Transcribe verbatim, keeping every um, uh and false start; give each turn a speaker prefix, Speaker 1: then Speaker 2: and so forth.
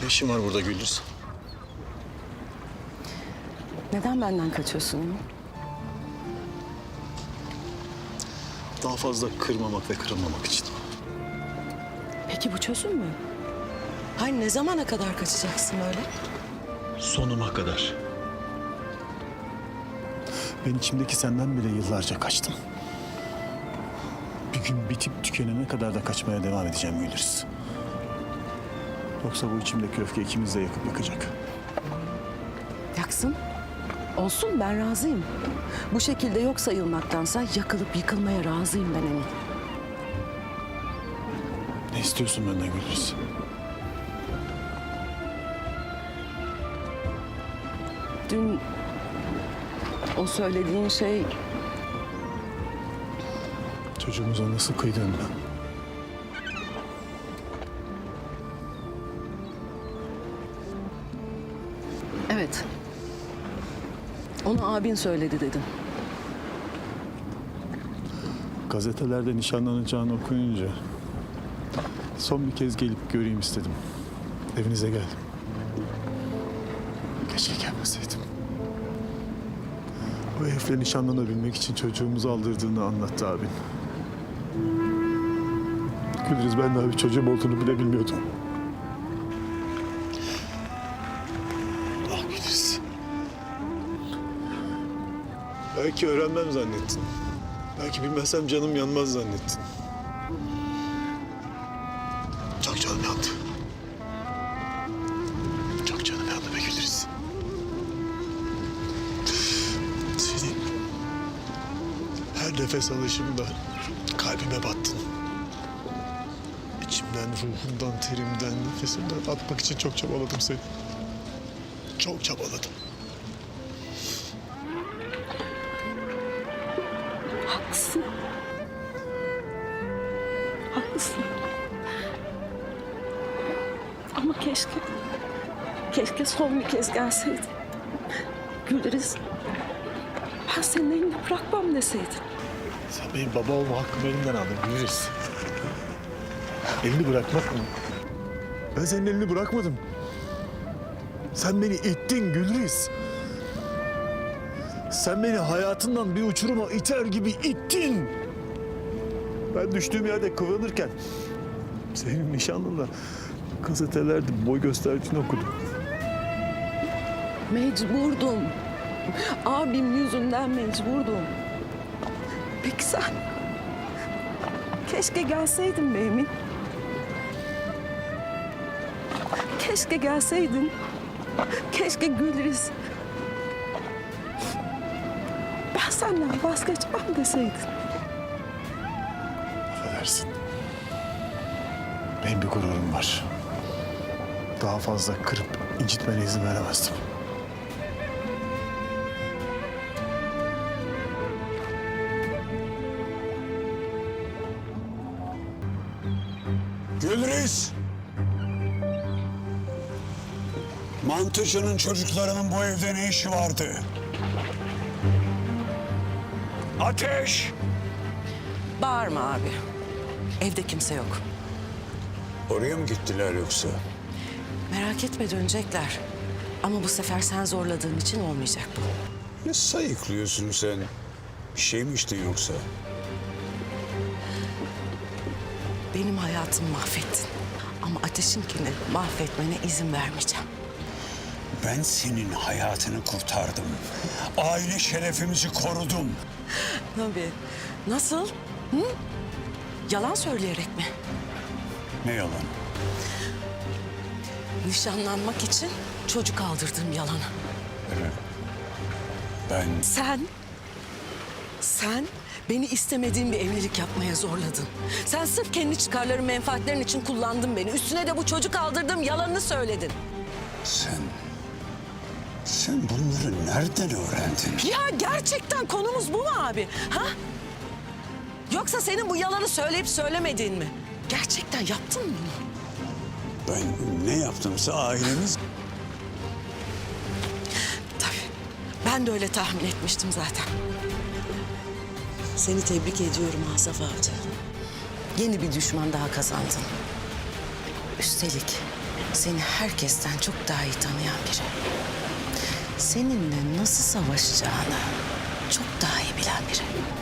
Speaker 1: işin var burada Güldüz?
Speaker 2: Neden benden kaçıyorsun?
Speaker 1: Daha fazla kırmamak ve kırılmamak için.
Speaker 2: Peki bu çözüm mü? Hayır, ne zamana kadar kaçacaksın öyle?
Speaker 1: Sonuma kadar. Ben içimdeki senden bile yıllarca kaçtım. Bir gün bitip tükenene kadar da kaçmaya devam edeceğim Güldüz. Yoksa bu içimdeki öfke ikimiz de yakıp yakacak.
Speaker 2: Yaksın. Olsun, ben razıyım. Bu şekilde yok sayılmaktansa yakılıp yıkılmaya razıyım ben Emin.
Speaker 1: Ne istiyorsun benden Güldüz?
Speaker 2: Dün o söylediğin şey...
Speaker 1: Çocuğumuza nasıl kıydın?
Speaker 2: Evet. Onu abin söyledi dedin.
Speaker 1: Gazetelerde nişanlanacağını okuyunca son bir kez gelip göreyim istedim. Evinize geldim. Keşke gelmeseydim. O herifle nişanlanabilmek için çocuğumuzu aldırdığını anlattı abin. Gülriz, ben daha bir çocuğum olduğunu bile bilmiyordum. Ah Gülriz. Belki öğrenmem zannettin. Belki bilmezsem canım yanmaz zannettin. Çok canım yandı. Çok canım yandı be Gülriz. Seni her nefes alışımda kalbime battın. İçimden, ruhumdan, terimden, nefesimden atmak için çok çabaladım seni. Çok çabaladım.
Speaker 2: Haklısın. Haklısın. Ama keşke... Keşke son bir kez gelseydin. Gülriz, ben senin elini bırakmam deseydin.
Speaker 1: Sen benim baba olma hakkımı elimden aldın Gülriz. Elini bırakmak mı? Ben senin elini bırakmadım. Sen beni ittin Gülriz. Sen beni hayatından bir uçuruma iter gibi ittin. Ben düştüğüm yerde kıvranırken senin nişanlınla gazetelerde boy gösterdiğini okudum.
Speaker 2: Mecburdum. Abim yüzünden mecburdum. Peki sen? Keşke gelseydin be Emin. Keşke gelseydin. Keşke Gülriz. Ben senden vazgeçmem deseydin.
Speaker 1: Affedersin. Benim bir gururum var. Daha fazla kırıp incitmene izin veremezdim.
Speaker 3: Gülriz! Mantıcının çocuklarının bu evde ne işi vardı? Ateş!
Speaker 2: Bağırma abi. Evde kimse yok.
Speaker 3: Oraya mı gittiler yoksa?
Speaker 2: Merak etme, dönecekler. Ama bu sefer sen zorladığın için olmayacak bu.
Speaker 3: Ne sayıklıyorsun sen? Bir şey mi içtin yoksa?
Speaker 2: Benim hayatımı mahvettin. Ama Ateş'inkini mahvetmene izin vermeyeceğim.
Speaker 3: Ben senin hayatını kurtardım. Aile şerefimizi korudum.
Speaker 2: Tabii. Nasıl? Hı? Yalan söyleyerek mi?
Speaker 3: Ne yalan?
Speaker 2: Nişanlanmak için çocuk aldırdım yalanı.
Speaker 3: Evet. Ben
Speaker 2: Sen, sen beni istemediğin bir evlilik yapmaya zorladın. Sen sırf kendi çıkarların, menfaatlerin için kullandın beni. Üstüne de bu çocuk aldırdım yalanını söyledin.
Speaker 3: Sen... Sen bunları nereden öğrendin?
Speaker 2: Ya gerçekten konumuz bu mu abi? Ha? Yoksa senin bu yalanı söyleyip söylemediğin mi? Gerçekten yaptın mı bunu?
Speaker 3: Ben ne yaptımsa ailemiz...
Speaker 2: Tabii. Ben de öyle tahmin etmiştim zaten. Seni tebrik ediyorum Asaf Avcı. Yeni bir düşman daha kazandın. Üstelik Seni herkesten çok daha iyi tanıyan biri. Seninle nasıl savaşacağını çok daha iyi bilen biri.